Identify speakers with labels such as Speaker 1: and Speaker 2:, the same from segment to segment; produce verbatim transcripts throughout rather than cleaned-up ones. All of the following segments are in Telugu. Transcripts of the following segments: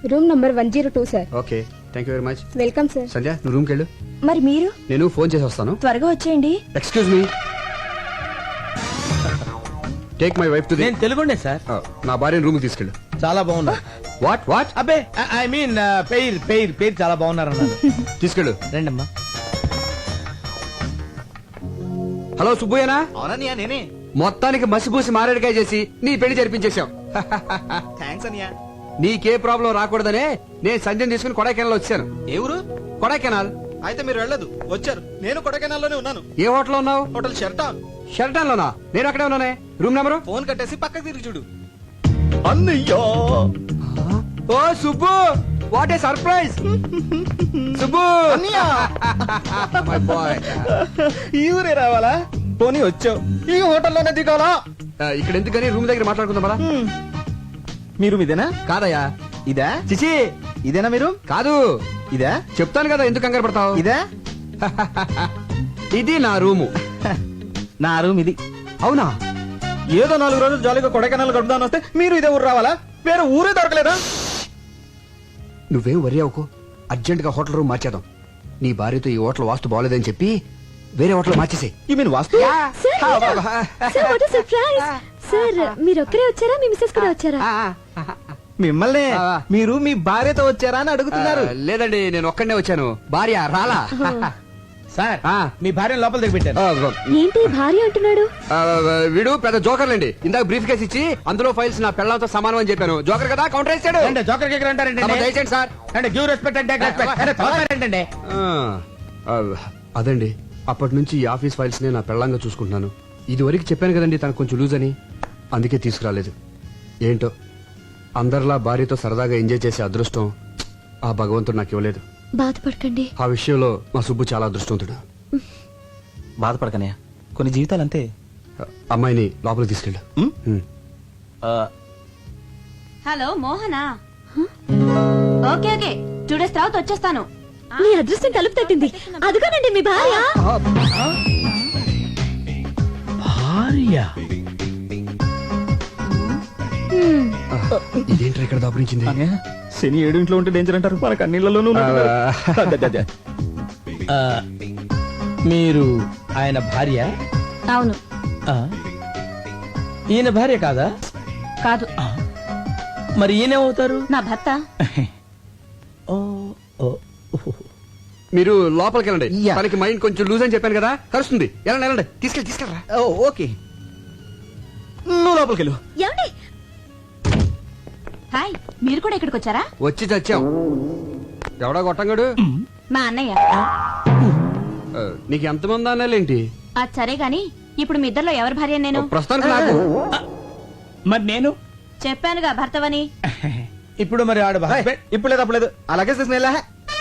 Speaker 1: Room number one zero two sir.
Speaker 2: Okay, thank you very much.
Speaker 1: Welcome sir.
Speaker 2: Sandhya, నువ్వు రూమ్కి వెళ్ళు.
Speaker 3: మరి మీరు?
Speaker 2: నేను ఫోన్ చేసి వస్తాను.
Speaker 3: త్వరగా వచ్చేయండి.
Speaker 2: Excuse me, take my wife to the.
Speaker 4: నేను తెలుగుండే సార్.
Speaker 2: నా భార్యను రూమ్కి తీసుకెళ్ళు.
Speaker 4: చాలా బాగున్నా.
Speaker 2: వాట్ వాట్
Speaker 4: అబ్బే ఐ మీన్ పేరు పేరు పేరు చాలా బాగున్నారు అన్నారు.
Speaker 2: తీసుకెళ్ళు.
Speaker 4: రండమ్మా.
Speaker 2: హలో సుబ్బయ్యనా?
Speaker 5: అవునన్నయ్య నేనే.
Speaker 2: మొత్తానికి మసిపూసి మారేడుకాయ చేసి నీ పెళ్లి జరిపించేశాం.
Speaker 5: థ్యాంక్స్ అన్నయ్య.
Speaker 2: నీకే ప్రాబ్లం రాకూడదనే నేను సంధ్యను తీసుకుని కొడైకెనాల్ వచ్చాను.
Speaker 5: ఏ ఊరు?
Speaker 2: కొడైకెనాల్.
Speaker 5: అయితే మీరు వెళ్ళదు, వచ్చారు. నేను కొడైకెనాల్లోనే ఉన్నాను.
Speaker 2: ఏ హోటల్ ఉన్నావు?
Speaker 5: Hotel Sheraton.
Speaker 2: షెల్టన్ లోనా? నేను అక్కడే ఉన్నానే. Room number?
Speaker 5: ఫోన్ కట్టేసి పక్కకు తిరిగి చూడు. అన్నయ్యా,
Speaker 2: ఓ Subbu, what a surprise. Subbu,
Speaker 5: అన్నయ్య
Speaker 2: మై బాయ్.
Speaker 5: ఈ ఊరే రావాలా? పోనీ వచ్చావు, ఈ హోటల్లోనే దిగాలా?
Speaker 2: ఇక్కడ ఎందుకని రూమ్ దగ్గర మాట్లాడుకుందాం పదా.
Speaker 5: మీరు ఇదేనా?
Speaker 2: కాదయ్యా.
Speaker 5: ఇదా?
Speaker 2: చిచి,
Speaker 5: ఇదేనా మీరు?
Speaker 2: కాదు.
Speaker 5: ఇదా?
Speaker 2: చెప్తాను కదా, ఎందుకు కంగారు పడతావు.
Speaker 5: ఇదా?
Speaker 2: ఇది నా రూము.
Speaker 5: నా రూమ్ ఇది.
Speaker 2: అవునా?
Speaker 5: ఏదో నాలుగు రోజులు జాలీగా కొడైకెనాల్ గడుపుదాని వస్తే మీరు ఇదే ఊరు రావాలా? వేరే ఊరే దొరకలేదా?
Speaker 2: నువ్వేం వరి అవ్వకు, అర్జెంట్ గా హోటల్ రూమ్ మార్చేద్దాం. నీ భార్యతో ఈ హోటల్ వాస్తు బాగోలేదని చెప్పి వేరే హోటల్ మార్చేసే.
Speaker 5: ఈ మీన్ వాస్తు?
Speaker 1: సార్ మీరు ఒక్కరే వచ్చారా, మీ మిస్సెస్ కూడా వచ్చారా?
Speaker 5: మిమ్మల్ని
Speaker 2: ఆ.
Speaker 5: మీరు మీ భార్యతో వచ్చారా అని అడుగుతున్నారు.
Speaker 2: ఆ, లేదండి, నేను ఒక్కడనే వచ్చాను. భార్య రాలా.
Speaker 4: సార్
Speaker 2: ఆ.
Speaker 4: మీ భార్య లోపల దిగి పెట్టారు.
Speaker 2: ఆ,
Speaker 1: ఏంటి భార్య అంటున్నాడు?
Speaker 2: ఆ, వీడు పెద్ద జోకర్లండి. ఇందాక బ్రీఫ్ కేసు ఇచ్చి అందులో ఫైల్స్ నా పిల్లలతో సమానం అని చెప్పాను. జోకర్ కదా, కౌంటర్ వేసాడు.
Speaker 4: అంటే జోకర్ కేకర్ అంటారంటే
Speaker 2: అబ్బా, దయచేయండి సార్.
Speaker 4: అంటే గివ్ రెస్పెక్ట్ అంటే రెస్పెక్ట్ ఏంటంటే
Speaker 2: ఆ, ఆ, అదండి, అప్పటి నుంచి ఈ ఆఫీస్ ఫైల్స్ నే నా పెళ్ళంగా చూసుకుంటున్నాను. ఇది వరకు చెప్పాను కదండి తనకు కొంచెం లూజ్ అని, అందుకే తీసుకురాలేదు. ఏంటో అందరిలా భార్యతో సరదాగా ఎంజాయ్ చేసే అదృష్టం ఆ భగవంతుడు నాకు ఇవ్వలేదు.
Speaker 1: బాధపడకండి.
Speaker 2: ఆ విషయంలో మా సుబ్బు చాలా అదృష్టవంతుడు.
Speaker 5: బాధపడకనయ్య, కొన్ని జీవితాలు అంతే.
Speaker 2: అమ్మాయిని లోపలికి తీసుకెళ్ళు.
Speaker 5: ఉమ్?
Speaker 2: ఉమ్.
Speaker 3: హలో మోహనా? ఓకే ఓకే, టూ డేస్ తర్వాత వచ్చేస్తాను.
Speaker 1: మీ అదృష్టం తలుపు తట్టింది. అదుగోనండి మీ భార్య.
Speaker 4: భార్య
Speaker 1: హ్మ్.
Speaker 2: ఇదేంటి ఇక్కడ దాపురించింది?
Speaker 5: శని ఏడు ఇంట్లో ఉంటే డేంజర్ అంటారు, మనకు అన్నిళ్లలోనూ
Speaker 4: మీరు ఆయన భార్య?
Speaker 3: అవును.
Speaker 4: ఆ. ఈయన భార్య కాదా?
Speaker 3: కాదు.
Speaker 4: మరి ఈయనేమవుతారు?
Speaker 3: నా భర్త.
Speaker 4: ఓ, ఓ,
Speaker 2: మీరు లోపలికి వెళ్ళండి.
Speaker 5: యా.
Speaker 2: తనకి మైండ్ కొంచెం లూజ్ అని చెప్పాను కదా, కలుస్తుంది. వెళ్ళండి వెళ్ళండి, తీసుకెళ్ళి తీసుకెళ్ళరా.
Speaker 5: ఓకే, నువ్వు లోపలికి వెళ్ళు.
Speaker 1: ఏమండి?
Speaker 3: హాయ్, మీరు కూడా ఇక్కడికి వచ్చారా?
Speaker 2: వచ్చి చచ్చాం. ఎవడా గొట్టంగాడు?
Speaker 3: మా అన్నయ్య.
Speaker 2: ఆ, నీకు ఎంతమంది అన్నాలేంటి?
Speaker 3: అది సరే గాని ఇప్పుడు మీ ఇద్దరిలో ఎవరి భార్య నేను?
Speaker 2: ప్రస్తుతానికి నాకు.
Speaker 4: మరి నేను
Speaker 3: చెప్పానుగా భర్తవని.
Speaker 4: ఇప్పుడు మరి ఆడ husband?
Speaker 5: ఇప్పుడు లేదు అప్పుడు లేదు, అలాగే తీసుకుని వెళ్ళా.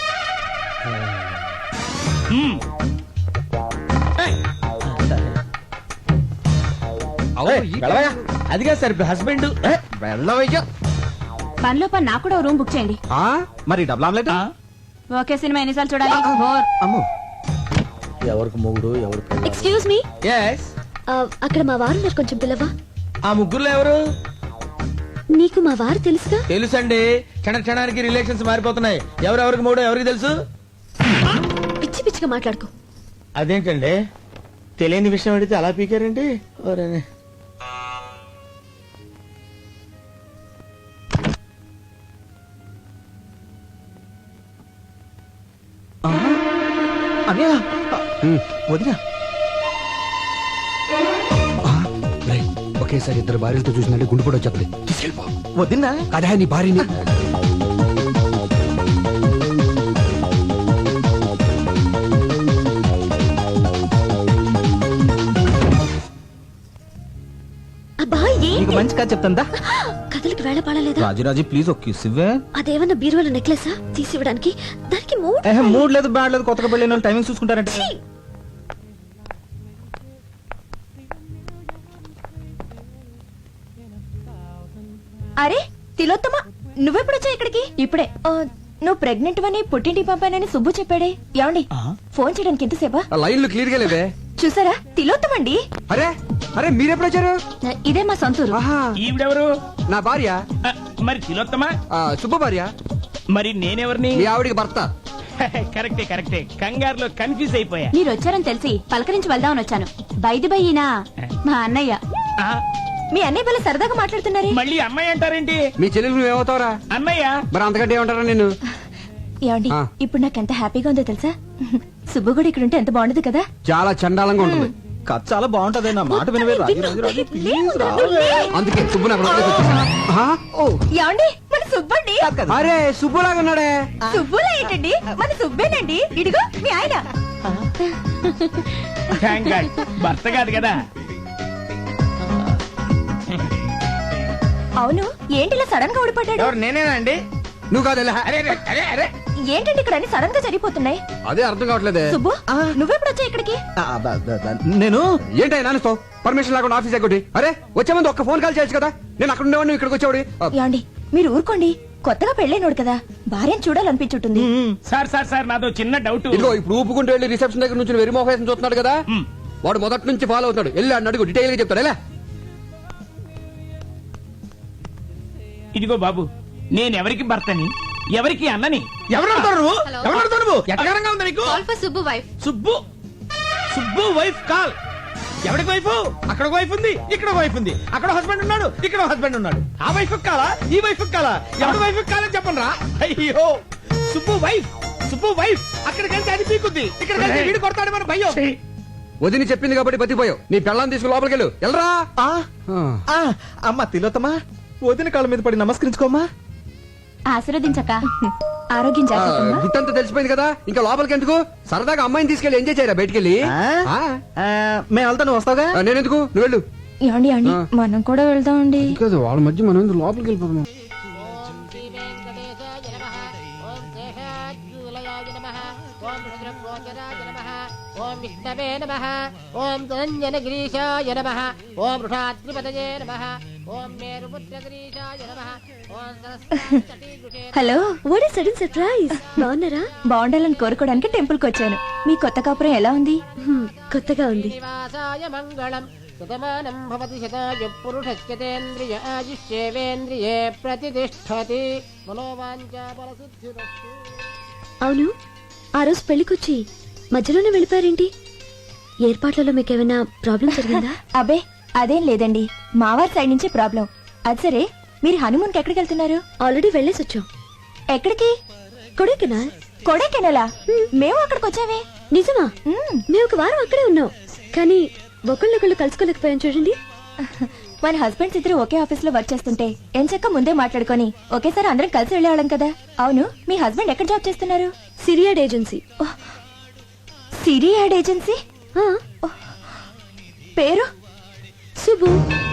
Speaker 2: అవును, ఈ-
Speaker 5: వెళ్ళవయ్యా.
Speaker 4: అదిగా సార్ హస్బెండ్.
Speaker 5: వెళ్ళవయ్యా.
Speaker 3: పనిలో పని నాకు కూడా ఓ రూమ్ బుక్ చేయండి.
Speaker 2: ఆ?
Speaker 5: మరి డబుల్ ఆమ్లెట్?
Speaker 3: ఓకే, సినిమా ఎన్నిసార్లు చూడాలి? బోర్.
Speaker 5: అమ్మో,
Speaker 4: ఎవరికి మొగుడు ఎవరు?
Speaker 1: Excuse me,
Speaker 4: yes.
Speaker 1: అక్కడ మా వారు మీరు కొంచెం పిల్లవా?
Speaker 4: ఆ ముగ్గురులో ఎవరు?
Speaker 1: నీకు మా వారు తెలుసుగా?
Speaker 4: తెలుసండి, క్షణ క్షణానికి రిలేషన్స్ మారిపోతున్నాయి. ఎవరెవరికి మూడో ఎవరికి తెలుసు?
Speaker 1: పిచ్చి పిచ్చిగా మాట్లాడుకో.
Speaker 4: అదేంటండి, తెలియని విషయం అడిగితే అలా పీకారండి. ఓరేనే.
Speaker 5: అన్నయ్య,
Speaker 2: ఉమ్.
Speaker 5: వదినా.
Speaker 2: ఆ, రేయ్, ఒకేసారి ఇద్దరు భార్యలతో చూసినట్టు గుండు కూడా వచ్చేది. తీసుకెళ్ళిపో.
Speaker 5: వదినా?
Speaker 2: కదా నీ భార్యని.
Speaker 1: అబ్బా
Speaker 5: నీకు
Speaker 1: ఏంటి?
Speaker 5: మంచి కథ చెప్తాందా?
Speaker 1: కథలకు వేళ పాడలేదా?
Speaker 5: రాజురాజు ప్లీజ్ ఒక కిస్ ఇవ్వే.
Speaker 1: అదేమన్నా బీరువాల నెక్లెసా తీసివ్వడానికి? దానికి మూడు.
Speaker 5: మూడ్ లేదు బ్యాడ్ లేదు, కొత్తగా పెళ్ళిన వాళ్ళు టైమింగ్ చూసుకుంటారంటే.
Speaker 1: ఛీ!
Speaker 3: అరే తిలోత్తమ, నువ్వెప్పుడొచ్చా ఇక్కడికి? ఇప్పుడే. ఆ, నువ్వు ప్రెగ్నెంట్ అని పుట్టింటికి పంపానని సుబ్బు చెప్పాడే. ఏమండి, ఫోన్ చేయడానికి ఎంతసేపా?
Speaker 2: ఆ లైన్లు క్లియర్ గా లేవే.
Speaker 3: చూసారా, తిలోత్తమండి.
Speaker 2: అరే అరే మీరెప్పుడు వచ్చారు?
Speaker 3: ఇదే మా సొంతూరు.
Speaker 2: ఆహా,
Speaker 4: ఈవిడెవరు?
Speaker 2: నా భార్య.
Speaker 4: ఆ, మరి తిలోత్తమా?
Speaker 2: ఆ, సుబ్బ భార్య.
Speaker 6: మరి నేనెవరిని?
Speaker 2: మీ ఆవిడికి భర్త.
Speaker 6: కరెక్టే కరెక్టే కంగారులో కన్ఫ్యూజ్ అయిపోయా.
Speaker 3: మీరు వచ్చారని తెలిసి పలకరించి వెళ్దామని వచ్చాను. బైది బయ్యినా మా అన్నయ్య.
Speaker 6: ఆ,
Speaker 3: మీ అన్నయ్య వల్ల సరదాగా మాట్లాడుతున్నారే.
Speaker 6: మళ్ళీ అమ్మాయి అంటారేంటి?
Speaker 2: మీ చెల్లెలు నువ్వేమవుతావురా?
Speaker 6: అన్నయ్య.
Speaker 2: మరి అంతకంటే ఏమంటారా నేను?
Speaker 3: ఏమండి
Speaker 2: ఆ.
Speaker 3: ఇప్పుడు నాకు ఎంత హ్యాపీగా ఉందో తెలుసా? సుబ్బు కూడా ఇక్కడ ఉంటే ఎంత బాగుండదు కదా.
Speaker 2: చాలా చండాలంగా ఉంటుంది.
Speaker 5: కథ చాలా బాగుంటది నా మాట వినవే రాజు రాజు రాజు ప్లీజ్ రావే.
Speaker 2: అందుకే సుబ్బు నాకు లోపలికి వచ్చేసాడు. ఆహా.
Speaker 3: ఏమండి మన సుబ్బండి.
Speaker 2: అరే సుబ్బులాగా ఉన్నాడే.
Speaker 3: సుబ్బులా ఏంటండి, మన సుబ్బేనండి. ఇదిగో మీ ఆయన.
Speaker 6: థ్యాంక్ గాడ్ భర్త కాదు కదా.
Speaker 3: అవును ఏంటి ఇలా సడన్ గా ఊడిపడ్డాడు?
Speaker 4: ఎవరు నేనేనా అండి?
Speaker 2: నువ్వు కాదు.
Speaker 4: అరే అరే, అరే అరే
Speaker 3: ఏంటండి ఇక్కడ అన్ని సడన్ గా జరిగిపోతున్నాయి?
Speaker 2: అదే అర్థం కావట్లేదే.
Speaker 3: సుబ్బు నువ్వెప్పుడు వచ్చా ఇక్కడికి?
Speaker 5: ఆ, బ- బ- బ- నేను
Speaker 2: ఏంటో నాన్నస్తావు పర్మిషన్ లేకుండా ఆఫీస్ ఎక్కటి? అరే వచ్చే ముందు ఒక్క ఫోన్ కాల్ చేయొచ్చు కదా. నేను అక్కడ ఉండేవాడిని, నువ్వు ఇక్కడికి వచ్చేవాడి.
Speaker 3: ఏమండి మీరు ఊరుకోండి. కొత్తగా పెళ్ళైనోడు కదా, భార్యను చూడాలనిపించుంటుంది.
Speaker 6: సార్ సార్ సార్ నాదో చిన్న డౌట్.
Speaker 2: ఇదిగో ఇప్పుడు ఊపుకుంటూ వెళ్ళి రిసెప్షన్ దగ్గర నుంచి వెరిమోహేషన్ చూస్తున్నాడు కదా.
Speaker 6: మ్.
Speaker 2: వాడు మొదటి నుంచి ఫాలో అవుతాడు. వెళ్ళి అన్న అడుగు, డీటెయిల్ గా చెప్తాడు. ఎలా?
Speaker 6: ఇదిగో బాబు, నేనెవరికి భర్తని, ఎవరికి అన్నని?
Speaker 4: ఎవరు అడుగుతారు నువ్వు? ఎవరు అడుగుతావు నువ్వు? ఎట్టగారంగా ఉంది నీకు?
Speaker 1: Subbu wife.
Speaker 4: Subbu Subbu wife call. ఎవరికి వైఫ్? అక్కడ వైఫ్ ఉంది, ఇక్కడ వైఫ్ ఉంది. అక్కడ హస్బెండ్ ఉన్నాడు, ఇక్కడ హస్బెండ్ ఉన్నాడు. ఆ వైఫ్ కాలా, ఈ వైఫ్ కాలా? ఎవరి వైఫ్ కాలని చెప్పండి రా. అయ్యో సుబ్బు వైఫ్, సుబ్బు వైఫ్. అక్కడికి వెళ్తే అది పీకుద్ది, ఇక్కడికి వెళ్తే వీడు కొడతాడు మన భయ్యో.
Speaker 2: వదిని చెప్పింది కాబట్టి బతిపోయావు. నీ పెళ్ళాన్ని తీసుకుని లోపలికి వెళ్ళు. వెళ్ళరా.
Speaker 5: ఆ, ఆ, అమ్మ తిలోతమా వదిన కాళ్ళ మీద పడి నమస్కరించుకోమ్మా.
Speaker 3: ఆశీర్వదించక. ఆరోగ్యం
Speaker 2: ఆ,
Speaker 3: జాగ్రత్త.
Speaker 2: గుట్టంతా తెలిసిపోయింది కదా, ఇంకా లోపలికి ఎందుకు? సరదాగా అమ్మాయిని తీసుకెళ్ళి ఎంజాయ్ చేయరా బయటికి వెళ్ళి.
Speaker 5: ఆ?
Speaker 2: ఆ?
Speaker 5: ఆ, మేము వెళ్తా నువ్వు వస్తావుగా.
Speaker 2: ఆ, నేనెందుకు? నువ్వు వెళ్ళు.
Speaker 3: ఏమండి ఏమండి
Speaker 2: ఆ.
Speaker 3: మనం కూడా వెళ్దామండి.
Speaker 2: కాదు వాళ్ళ మధ్య మనం ఎందుకు లోపలికి వెళ్ళిపోతాం?
Speaker 7: ఓం విష్ణవే నమః. ఓం ధనంజనగిరీశాయ నమః. ఓం వృషాద్రిపతయే నమః. ఓం మేరుపుత్రగిరీశాయ నమః. ఓం Saraswati
Speaker 1: hello, what is sudden surprise? బాగున్నారా?
Speaker 3: బాగుండాలని కోరుకోవడానికి టెంపుల్ కి వచ్చాను. మీ కొత్త కాపురం ఎలా ఉంది?
Speaker 1: హ్మ్, కొత్తగా ఉంది.
Speaker 7: నివాసాయ మంగళం. శతమానం భవతి శతాయు పురుషస్యతేంద్రియ ఆయుష్యేవేంద్రియే ప్రతిష్టతి. మనోవాంఛా బలసిద్ధిరస్తు.
Speaker 1: అవును, ఆ రోజు పెళ్లికొచ్చి మధ్యలోనే వెళ్ళిపోయారేంటి? ఏర్పాట్లలో మీకేమైనా ప్రాబ్లం జరిగిందా?
Speaker 3: అబే అదేం లేదండి, మావారి సైడ్ నుంచి ప్రాబ్లం. అది సరే, మీరు హనుమూన్ కి ఎక్కడికి వెళ్తున్నారు?
Speaker 1: ఆల్రెడీ వెళ్ళేసి వచ్చాం.
Speaker 3: ఎక్కడికి?
Speaker 1: కొడైకెనాల్.
Speaker 3: కొడైకెనాలా? మేము అక్కడికి వచ్చామే.
Speaker 1: నిజమా?
Speaker 3: మ్మ్.
Speaker 1: మేము ఒక వారం అక్కడే ఉన్నాం, కానీ ఒకళ్ళొకళ్ళు కలుసుకోలేకపోయాం చూడండి.
Speaker 3: మన హస్బెండ్స్ ఇద్దరు ఒకే ఆఫీస్ లో వర్క్ చేస్తుంటే ఎంచక్క ముందే మాట్లాడుకొని ఒకేసారి అందరం కలిసి వెళ్ళేవాళ్ళం కదా. అవును, మీ హస్బెండ్ ఎక్కడ జాబ్ చేస్తున్నారు?
Speaker 1: Siri ad agency.
Speaker 3: Siri ad agency.
Speaker 1: ఆ,
Speaker 3: పేరు?
Speaker 1: సుబ్బు.